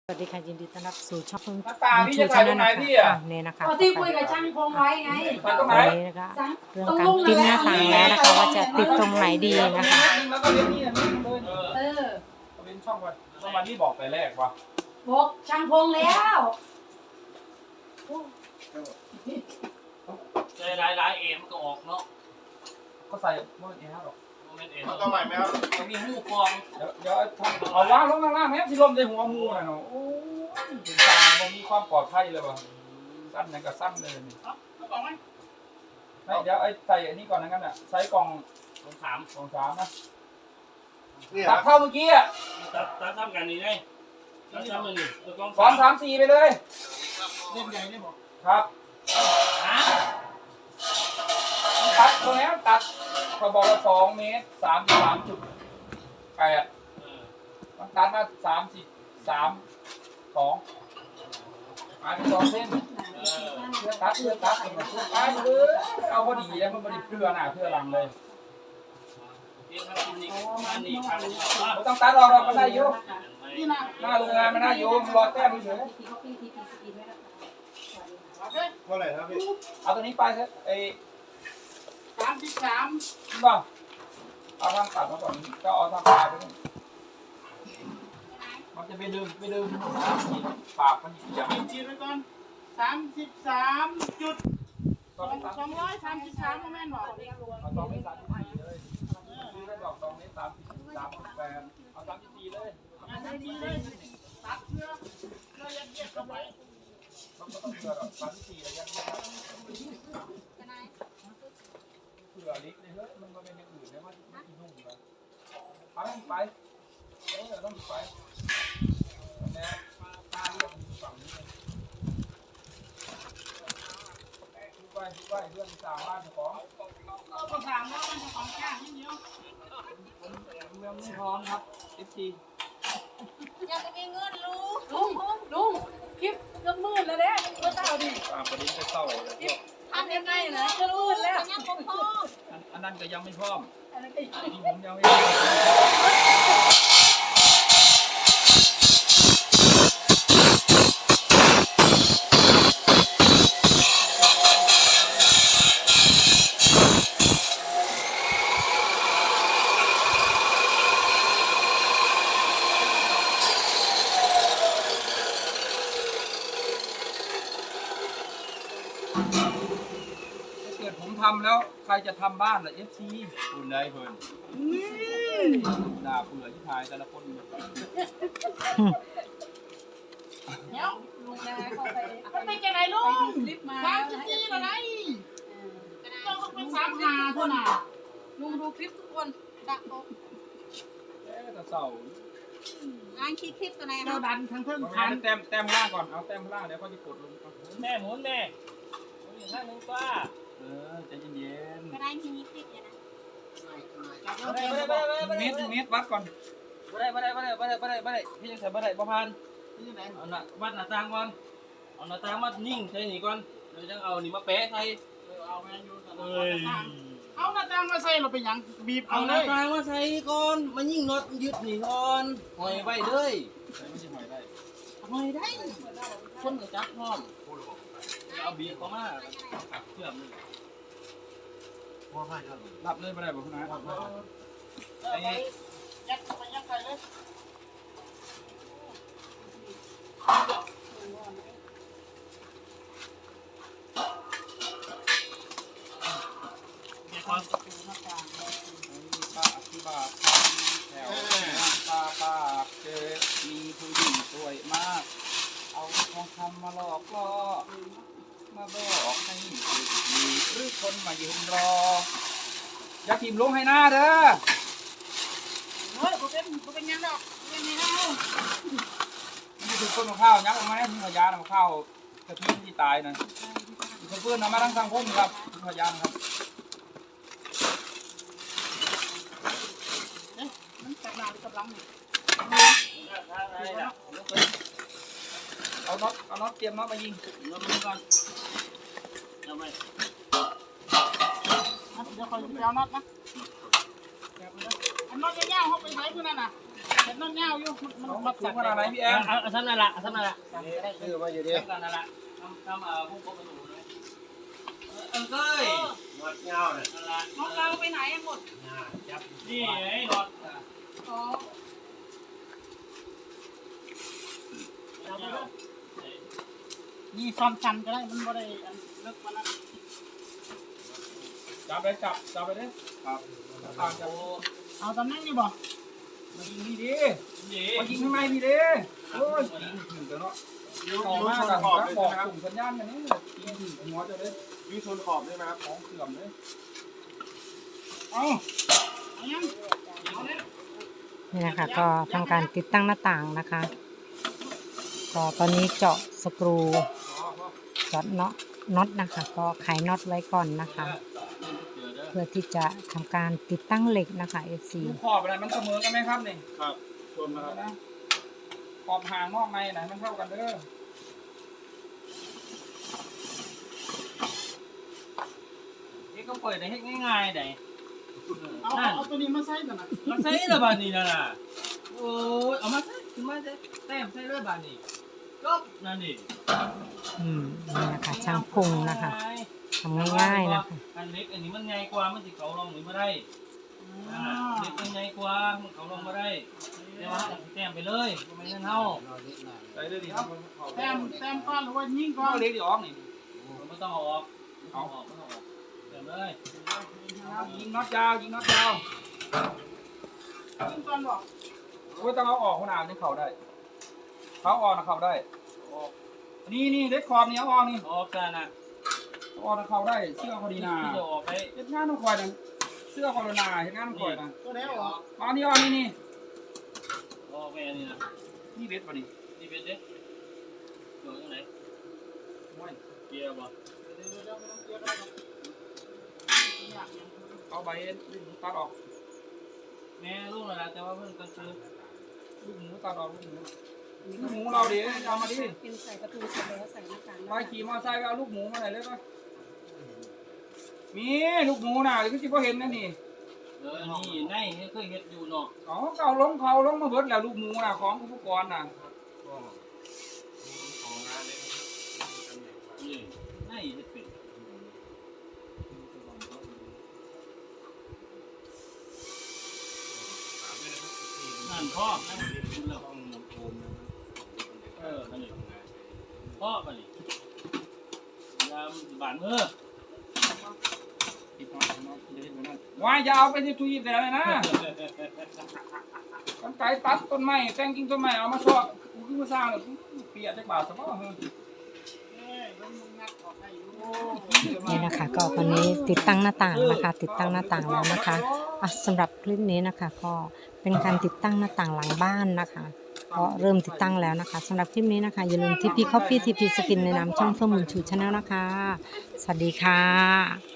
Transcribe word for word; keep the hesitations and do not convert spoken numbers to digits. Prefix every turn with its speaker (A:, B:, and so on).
A: สวัสดีค่ะยินดีต้อนรับสู่ช่อง
B: ตาพี่จะถ่ายตรงไหนพี่อ่ะ
A: เนี่ยนะคะ
C: ที่คุยกับช่างพงไว้ไง
B: ถ่ายตรงไหน
A: วันนี้นะคะเรื่องการติดหน้าต่างแล้วนะคะว่าจะติดตรงไหนดีนะคะ
B: แล้วก็เล่นนี่อันนี้เลย
C: เออ
B: เล่นช่องไปช่องมาที่บอกไปแรกว่ะ
C: บอกช่างพงแล้ว
D: ใจร้ายร้ายเอ็มก็ออกเนาะ
B: ก็ใส่เมื่อกี้หรอก
D: โมเมนต์เอ็ม
E: ต้องใหม่ไหมครับ
D: มันมีหูฟอง
B: เดี๋ยวเดี๋ยวเอาล่างลงล่างแม่ที่ลมในหัวมูน่ะเนาะโอ้ยเป็นตามันมีความปลอดภัยเลยว่ะสั้นนั่นก็สั้นเลยนี่
D: เขาบอกไหม
B: ไม่เดี๋ยวไอ้ใส่อันนี้ก่อนนะกันอ่ะใช้กล่อง
D: สองสาม
B: กล่องสามนะ
E: นี่
B: ตัดเข้าเมื่อกี้อ่ะ
D: ตัดตัดทำกันนี่ไงตัดทำมันนี่ตัวกอง
B: สองสามสี่ไปเลย
D: เล่นใหญ่ได้บอก
B: ครับ
D: ฮะ
B: ตัดตรงนี้ตัดเขาบอกว่าสองเมตรสามสิบสามจุดแปดมันตัดมาสามสิบสามสองอ่านสองเส้นเพื่อตัดเพื่อตัดเพื่อตัดเลยเอาพอดีแล้วมันพอดีเพื่อหน้าเพื่อหลังเลย
D: เอ็มทำกินนี่อันนี้ทำ
B: ไม่ต้องตัดเราเราก็ได้อยู่หน้าโรงงานมันได้อยู่รอแต้มเฉย
E: เท่าไหร่ครับพี่
B: เอาตัวนี้ไปเถอะไอ้
C: สามสิบสาม
B: บ้าเอาทางตัดมาก่อนก็เอาทางปลายไปนู่นมันจะไปดึงไปดึงปากมันเสียบ
F: จีนไว้ก่อนสามสิบสามจุด
B: สองเมตร
F: สองร้อยสามสิบสามแม่นบอก
B: เอาสองเมตรสามสิบสี่เลยซื้อได้ดอกสองเมตรสามสิบสามสิบแปดเอาสามสิบสี่เลย
F: งานดีเลยตัดเพื่อเพื่อยัดเยียดเข้าไป
B: มันก็ต้องเผื่อดอกสามสิบสี่ระยะนี้ครับเผื่อลิกเลยเฮ้ยมันก็เป็นอย่างอื่นเลยว่าไม่กินนุ่มเลยเอาให้ไปเออต้องไปแม่ตาเรียกมันฝั่งนี้เลยดูไปดูไปเรื่องสามบ้านของ
F: ก็ประสานว่ามันจะของแก้นิดเดียว
B: เมืองไม่พร้อมครับ เอฟ ซี
C: อยากมีเงินลุงลุงลุงคลิปก็มืดแล้วเนี่ยก็เศร้าดิ
B: ตามประเด็นไปเศร้าเลยพวก
C: ทำยังไงนะก็มืดแล้ว
B: อันอันนั้นก็ยังไม่พร้อมอันนี้ผมยังไม่พร้อมถ้าเกิดผมทำแล้วใครจะทำบ้านล่ะ เอฟ ซี
E: คุณได้เพิ่น
B: ด่าเบื่อที่ทายแต่ละคน
F: เดี๋ยว
C: ลุงนะเข้าไป
F: มันเป็นจะไหนลุง
C: คลิปมา
F: สามสิบสี่อะไรต้องเป็นสามหาเท่านั้น
C: ลุงดูคลิปทุกคนดักโต๊ะ
B: เอ๊ะแต่เศร้า
C: งานคิดคลิปตัวไหน
F: เราดันทั้งเพิ่ม
B: เอา
F: พัน
B: แต้มแต้มล่างก่อน เอาแต้มล่างเดี๋ยวเขาจะกดลงเอา
D: แม่หมุนแม่หมุนอยู่ข้างนึงป้า
B: เออใจเย็น
C: ก็ได้มีคลิปอยู่นะ
F: จับ
D: ไม่
F: แล้ว
D: ได้
F: เจ
D: ไม่
F: อ
D: ได้ไม่ได้
B: ๆเมตรเมตรวัดก่อน
D: ไม่ได้ไม่ได้ไม่ได้ไม่ได้ไม่ได้ไม่ได้พี่ยังใส่ไม่ได้ประพันธ์
F: ที่ไหน
D: เอาหน้าวัดหน้าต่างก่อนเอาหน้าต่างมานิ่งใส่นี่ก่อนเดี๋ยวจะเอานี่มาแปะใส่
F: เอาแมนยูกัน
D: เอ้ย
F: เอาหน้าต่างมาใส่เราไปยังบีบ
D: เอา
F: เอา
D: ห
F: เล
D: น้าย ต่างมาใส่ก่อนมายิ่งน็อตยึดนี่ก่อนหอยไว้เลย
B: ใส่ไม่ใช่หอยได้
F: ทำไมได้
D: คนกับจับพร้อมเอาบีบเข้ามาตักเชื่อมนี่
E: ว่าให้ครับ
B: รับเลยไม่ได้บอกคุณนะ
F: ไอ้ยัดเข้าไปยัดไปเลย
D: เดี๋ยวก่อน
B: ป้าอธิบายแถวตาปากเจอมีผู้หญิงสวยมาก เอาทองคำมาหลอกล่อมาบอกให้ดีหรือคนมายืนรอ อย่าทิมลงให้หน้าเด้อ
F: เฮ้ยผมเป็นผมเป็นยังดอกเป็นยังไงเอา
B: นี่คือต้นมะพร้าวยักษ์ออกมาให้ทิ้งขยะมะพร้าวกระทิ้งที่ตายนะคือเพื่อนเอามาทั้งสังคมครับทิ้งขยะครับ
F: มันกำลังกำลังนี่
B: เอาน็อตเอาน็อตเตรียมน็อตมายิง
D: เราดูก่อนเอาไป
F: เดี๋ยวคอยไปเอาน็อตนะอันน็อตยาวๆเขาไปไหนเพื่อนน่ะเห็นน้องเงาอยู่มันมัน
B: เอา
F: มั
B: มา
F: ด
B: สู
F: สั
B: ง
F: ก
B: ขนาดไหนพี่แอม
D: เอาเอาซ้ำนั่นละเอาซ้ำนั่นละ
E: ชื่อมาอยู่ดิ
D: ซ้ำกันนั่นละทำทำเอ่อพวกประตูเลยเออเก้ย
E: หมดเงาเนี่ย
D: นั่นละ
F: น้องเราไปไหนหมด
E: จับ
D: นี่ไอ้รถ
F: อ๋อ นี่ซ้อมชันก็ได้มันบ่ได้อันเลิกมาแล้ว
B: จับไปจับจับไปเลยครับตามจับ
F: เอาตำแหน่งนี่บ่
B: มายิงนี่ดิ
D: นี่
B: มายิงข้างในนี่ดิโอ้ยยิงถึงกันเนาะ
E: ยู
B: ต่อ
E: ยู
B: มา
E: ชน
B: กัน
E: ขอบ
B: ครับ
E: เลย
B: บอก
E: นะครับ
B: กลุ่มสัญญาณกันนี่ยิงถึงหัวจะได้
E: ยูชนขอบได้ไหมครับ
B: ของเสื่อมเลย
F: เอาเอายังเอาเลย
A: นี่นะคะก็ทำการติดตั้งหน้าต่างนะคะก็ตอนนี้เจาะสกรูเจาะน็อตน็อตนะคะ ก็ไขน็อตไว้ก่อนนะคะ เพื่อที่จะทำการติดตั้งเหล็กนะคะ เอฟ ซี
B: ดูขอบอะไรมันเสมอกันไหมครับนี่
E: ครับชนนะครับ
B: นะขอบห่างนอกในไหนมันเท่ากันเด้อ
D: นี่ก็เปิดได้ง่ายๆได้
F: เอา
D: นั่น
F: เอาตัวนี้มาใส่ก่อนนะ
D: มันใส่ระบาดนี่นะน่ะโอ้ยเอามาใส่ขึ้นมาใส่แต้มใส่ระบาดนี่จบนั่นนี่
A: อืมนี่นะคะช่างพุงนะคะทำง่ายๆนะคะ
D: อันเล็กอันนี้มันง่ายกว่ามันสิเขาลงนี่มาได้อ่าเล็กมันง่ายกว่ามันเขาลงมาได้แต่ว่าเราแต้มไปเลยไม่งั้นเท่า
B: ใส่ได้ดีครับ
F: แต้มแต้มก้อนหรือว่ายิงก้อ
B: ก็
F: น
B: เล็กดีออกนี่
D: ไม่ต้องเอาออกเอาออกไม่ต้องออกแต้มเลย
B: ยิงน็อตยาวยิงน็อตยาว
F: ยิงก้อนบ่
B: ไม่ต้องเอาออกขนาดนี้เขาได้เขาออกนะเขาได้นี่นี่เล็กขอบนี่เอาออกนี่
D: ออกกันนะ
B: เอาออกนะเขาได้เสื้อพอดีนา
D: ที่จะออกไป
B: เฮ็ดงานต้องคอยนะเสื้อพอดีนาเฮ็ดงานต้องคอยนะ
F: ตัวแล้วเหรอ
B: มานี่เอานี่นี่
D: ออกไปอันนี้นะ
B: นี่เบ็ดป่ะนี่
D: นี่เป็นเด็กอยู่ตรงไหน
B: โอ้ย
D: เกียร์บ่
F: เดี๋ยวเดี๋ยวเดี๋ยวไม่ต้องเกลียดก็ได้หรอกอยากยัง
B: เอาใบตัดออก
D: แม่ลูกนั่นแหละแต่ว่าเพิ่งก็ซื้อ
B: ลูกหมูตัดออกลูกหมูลูกหมูเราดิเอามาดิ
C: เป็นใส่ประตูเสร็จแล้วใส่หน้าต่าง
B: ไปขี่มอเตอร์ไซค์ไปเอาลูกหมูมาหน่อยเลยป่ะมีลูกหมูน่ะเดี๋ยวก็สิบ่เห็นนะนี่
D: เออนี่ในเคยเฮ็ดอยู่เนาะ
B: อ๋อเก่าลงเขาลงมาเบิดแล้วลูกหมูน่ะของอุปกรณ์น่ะ
D: นี่ในเฮ็ดเป็นนั่นพ่อนั่นคุณแล้วเออนั่นนี่พ่อป่ะนี่ยามบานมือ
B: วายจะเอาไปที่ทุยแต่เลยนะกันไก่ตัดต้นไม้แต่งกิ่งต้นไม้เอามาซอกกูคือมาสร้างเลยเปียกจักบาทซะบ่เฮ้ย
F: เอ้ยมันมึงงัดออกได้อยู่
A: นี่นะคะ ก็วันนี้ติดตั้งหน้าต่างนะคะ ติดตั้งหน้าต่างแล้วนะคะอ่ะสำหรับคลิปนี้นะคะ ก็เป็นการติดตั้งหน้าต่างหลังบ้านนะคะก็เริ่มติดตั้งแล้วนะคะสำหรับคลิปนี้นะคะอย่าลืมทีพีคอฟฟี่ทีพีสกินในนามช่องเฟื่องบุญชูชาแนลนะคะ สวัสดีค่ะ